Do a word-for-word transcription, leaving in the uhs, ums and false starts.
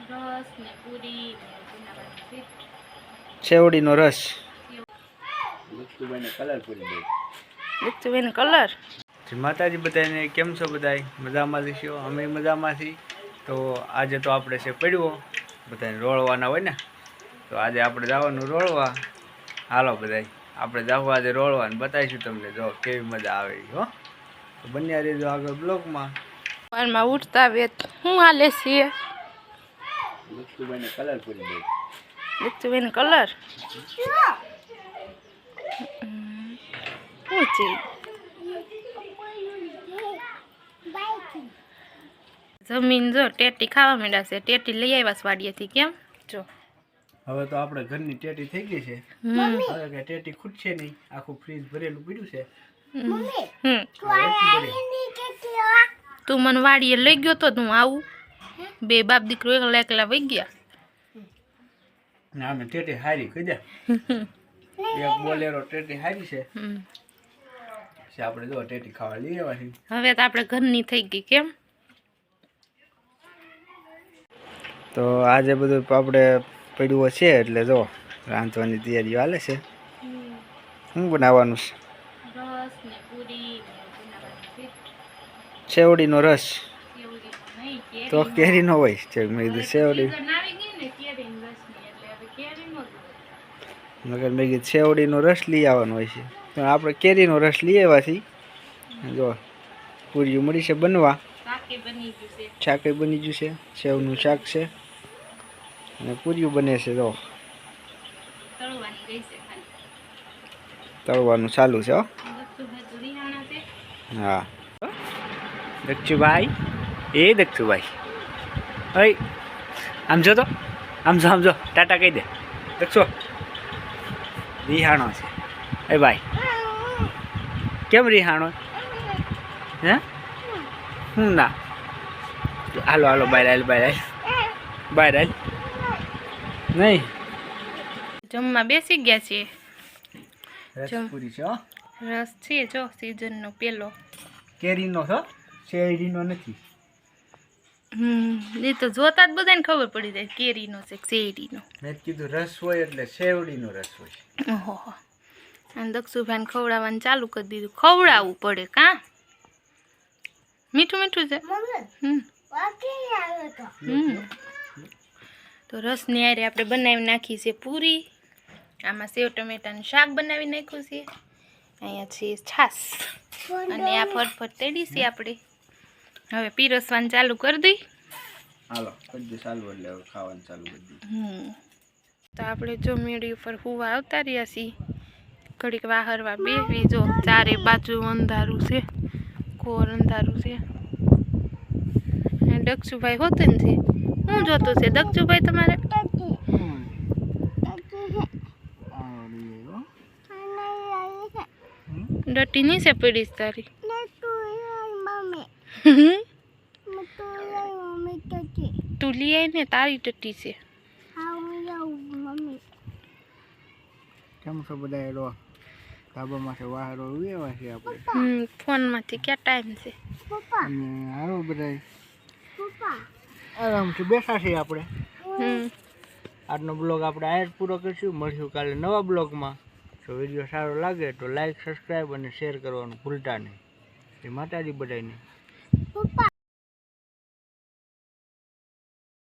રસ ને પૂરી ને સેવડીનો રસ લક્ષુભાઈને કલર પૂરી દે લક્ષુભાઈને કલર જય માતાજી બધાને કેમ છો બધાય મજામાં છો અમે મજામાં છીએ તો આજે તો આપણે છે પડ્યો બધાને રોળવાના હોય ને તો આજે આપણે જવાનું રોળવા હાલો બધાય આપણે જવું આજે રોળવા ને બતાવીશું તમને જો કેવી મજા આવે હો તો બન્યા રહેજો આગળ બ્લોગમાં પાનમાં ઉઠતા વેત હું હાલે છે લક્ષુભાઈને કલર પૂરી દે લક્ષુભાઈને કલર શું છે જમીન જો ટેટી ખાવા માંડ્યા છે ટેટી લઈ આવ્યા વાડીએથી કેમ જો હવે તો આપણે ઘરની ટેટી થઈ ગઈ છે હવે કે ટેટી ખૂટશે નહીં આખું ફ્રીજ ભરેલું પડ્યું છે તું મને વાડીએ લઈ ગયો તો હું આવું બે બાપ દીકરો એકલા એકલા વહી ગયા ના અમે ટેટી હારી કહી દે એક બોલેરો ટેટી હારી છે આપણે જો ટેટી ખાવા લઈ આવ્યા છીએ હવે તો આપણે ઘરની થઈ ગઈ કેમ તો આજે બધું આપણે પડ્યું છે એટલે જો રાંધવાની તૈયારીઓ હાલે છે શું બનાવવાનું છે રસ ને પૂરી સેવડીનો રસ તો કેરીનો હોય છે મેં કીધું સેવડી મગર મેં કીધું સેવડીનો રસ લઈ આવવાનો હોય છે તો આપણે કેરીનો રસ લઈ આવ્યા છીએ જો પૂરીઓ મળી છે બનવા શાક બની ગયું છે સેવનું શાક છે અને પૂરીઓ બને છે જો તળવાનું ચાલુ છે હો હા દક્ષુભાઈ એ દક્ષુભાઈ હઈ આમ જો તો આમ જો આમ જો ટાટા કહી દે દક્ષો રિહાણો છે એ ભાઈ કેમ રિહાણો હે હું ના હાલો હાલો બહાર હાલ બહાર હાલ બહાર હાલ નહીં જમવા બેસી ગયા છીએ રસ પૂરી છે હો રસ છે જો સીઝનનો પેલો કેરીનો છો શેરડીનો નથી હમ એ તો જોતા જ બધાને ખબર પડી જાય કેરીનો છે શેરડીનો મેં કીધું રસ હોય એટલે શેરડીનો રસ હોય ઓહો અને દક્ષુભાઈને ખવડાવવાનું ચાલુ કરી દીધું ખવડાવવું પડે કાં મીઠું મીઠું છે હમ તો રસની આરે આપણે બનાવી નાખી છે પૂરી આમાં સેવ ટમેટાનું શાક બનાવી નાખ્યું છે અહીંયા છે છાશ અને આ ફટફટ તેડી છે આપણે હવે પીરસવાનું ચાલુ કરી દઈ હાલો કરી ચાલુ એટલે હવે ખાવાનું ચાલુ કરી દઈ હમ તો આપણે જો મેળી ઉપર હુવા આવતા રહ્યા છીએ ઘડીક વાહરવા બેસવી જો ચારે બાજુ અંધારું છે કોર અંધારું છે દક્ષુભાઈ હોતું ને છે શું જોતું છે દક્ષુભાઈ તમારે ડટી નહીં છે પડીશ તારી તું લઈ આવી ને તારી ટટી છે કેમ છો બધા એલો ધાબામાંથી વાહરો ઉવેવા છે આપણે હમ ફોનમાંથી ક્યાં ટાઈમ છે અને હારો બધા આરામથી બેઠા છીએ આપણે હમ આજનો બ્લોગ આપણે આ જ પૂરો કરીશું મળશું કાલે નવા બ્લોગમાં જો વિડીયો સારો લાગે તો લાઈક સબસ્ક્રાઈબ અને શેર કરવાનું ભૂલતા નહીં એ માતાજી બધાને